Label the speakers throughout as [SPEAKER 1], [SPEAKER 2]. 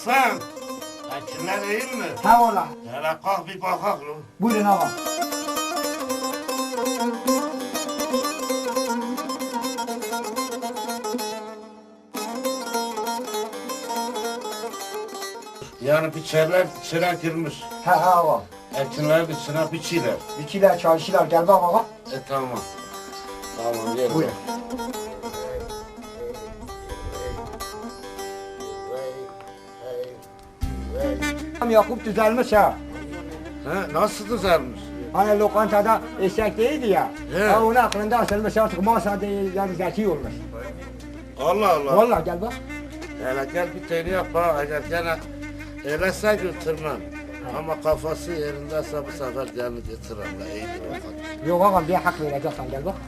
[SPEAKER 1] Hasan, ekinler değil mi?
[SPEAKER 2] Ha valla.
[SPEAKER 1] Hele kalk bir bakak lo.
[SPEAKER 2] Buyurun ağam.
[SPEAKER 1] Yani biçerler içine girmiş.
[SPEAKER 2] Ha ağam.
[SPEAKER 1] Ekinler içine biçiler.
[SPEAKER 2] Biçiler, çalışırlar. Gel bak ağam.
[SPEAKER 1] Tamam. Tamam gel.
[SPEAKER 2] Buyurun. Yakup düzelmiş ha.
[SPEAKER 1] He, nasıl düzelmiş?
[SPEAKER 2] Hani lokantada eşek değildi ya.
[SPEAKER 1] He.
[SPEAKER 2] Ha onun aklında asılmış artık masa değil yani zeki olmuş.
[SPEAKER 1] Allah Allah.
[SPEAKER 2] Vallahi gel bak.
[SPEAKER 1] Hele gel bir tane yap bana. Eğer gene öylese götürmem. Ama kafası yerindeyse bu sefer gemi getiririm la iyidir bakalım.
[SPEAKER 2] Yok ağam bir hak vereceksin gel bak.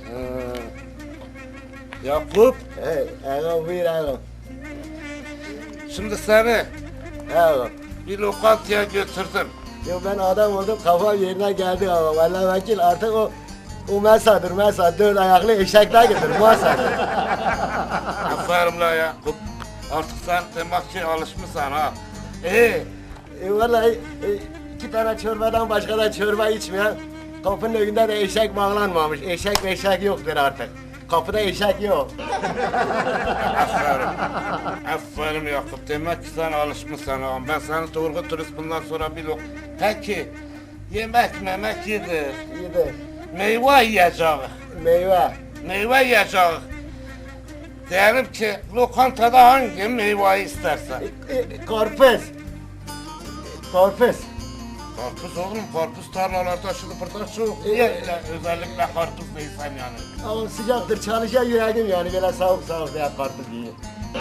[SPEAKER 1] Yakup,
[SPEAKER 3] Ağam buyur ağam.
[SPEAKER 1] şimdi seni
[SPEAKER 3] Ağam.
[SPEAKER 1] bir lokantaya götürdüm.
[SPEAKER 3] Yo ben adam oldum kafam yerine geldi ağam. Vallahi vekil artık o mesadır dört ayaklı eşekler getir mesadır.
[SPEAKER 1] Aferin la Yakup. Artık sen demek ki alışmışsın ha.
[SPEAKER 3] Vallahi iki tane çorbadan başka da çorba içmeyen kapının önünde de eşek bağlanmamış. Eşek yoktur artık. Kapıda eşek yok.
[SPEAKER 1] Aferin. Aferin Yakup. Demek ki sen alışmışsın ha. Ben seni doğru turist bundan sonra bir Peki, yemek memek yedir.
[SPEAKER 3] İyidir.
[SPEAKER 1] Meyve yiyeceğiz.
[SPEAKER 3] Meyve.
[SPEAKER 1] Meyve yiyeceğiz. Diyelim ki lokantada hangi meyveyi istersen.
[SPEAKER 3] Karpuz. Karpuz.
[SPEAKER 1] Karpuz oğlum, karpuz tarlalarda şimdi burada çok. Özellikle karpuz değilsen yani.
[SPEAKER 3] Ama sıcaktır çalışan yüreğim yani böyle soğuk veya karpuz yiyin.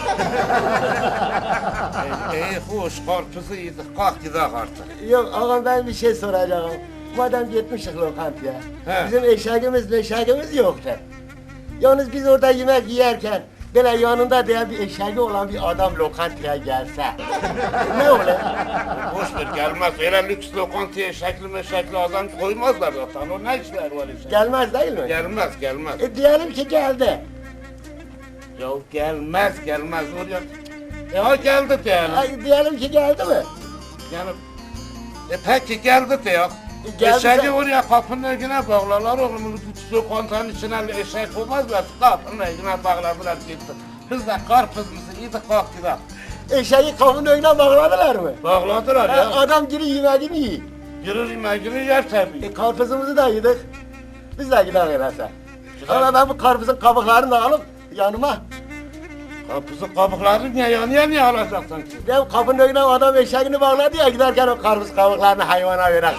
[SPEAKER 1] Hoş, karpuzu yedik, kalk gidelim artık.
[SPEAKER 3] Yok ağam ben bir şey soracağım. Madem gitmişik lokantaya.
[SPEAKER 1] He.
[SPEAKER 3] Bizim eşeğimiz yoktu. Yalnız biz orada yemek yerken böyle yanında diye bir eşeği olan bir adam lokantaya gelse. Ne olur?
[SPEAKER 1] Boş ver, gelmez. Öyle lüks lokantaya şekli adam koymazlar zaten. O ne işler var işte.
[SPEAKER 3] Gelmez değil mi?
[SPEAKER 1] Gelmez.
[SPEAKER 3] Diyelim ki geldi.
[SPEAKER 1] Ya gelmez oraya. Ya geldi diyelim.
[SPEAKER 3] Diyelim ki geldi mi?
[SPEAKER 1] Yani, peki geldi diyor.
[SPEAKER 3] Geldi
[SPEAKER 1] Eşeği
[SPEAKER 3] sen-
[SPEAKER 1] oraya kapının önüne bağlarlar oğlum. Lüks lokantanın içine eşek olmazlar. Kapının önüne bağladılar gitti. Biz de karpuzumuzu yedik kalk gidelim.
[SPEAKER 3] Eşeği kapının önüne bağladılar mı?
[SPEAKER 1] Bağladılar ya.
[SPEAKER 3] Adam giri yemeğini yiyor.
[SPEAKER 1] Girir yemeğini yer tabii.
[SPEAKER 3] Karpuzumuzu da yedik. Biz de gidelim öyleyse. Ama ben bu karpuzun kabuklarını da alıp yanıma.
[SPEAKER 1] Karpuzun kabuklarını niye alacaksın ki?
[SPEAKER 3] Ya kapının önüne adam eşeğini bağladı ya giderken o karpuz kabuklarını hayvana verir.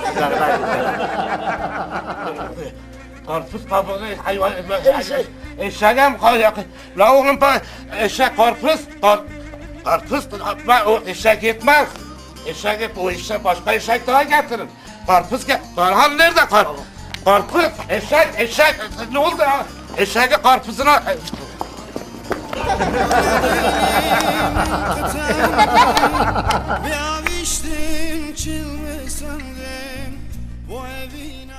[SPEAKER 1] Karpuz kabuğu hayvan
[SPEAKER 3] Eşek.
[SPEAKER 1] eşeğe mi kalacak? La oğlum eşek karpuz o eşek yetmez. O eşek başka eşek daha getirin. Karpuz Karhan nerede karpuz? Karpuz eşek ne oldu ya? Eşeği karpuzuna
[SPEAKER 4] Ve aviştim çılgın sandım bu evin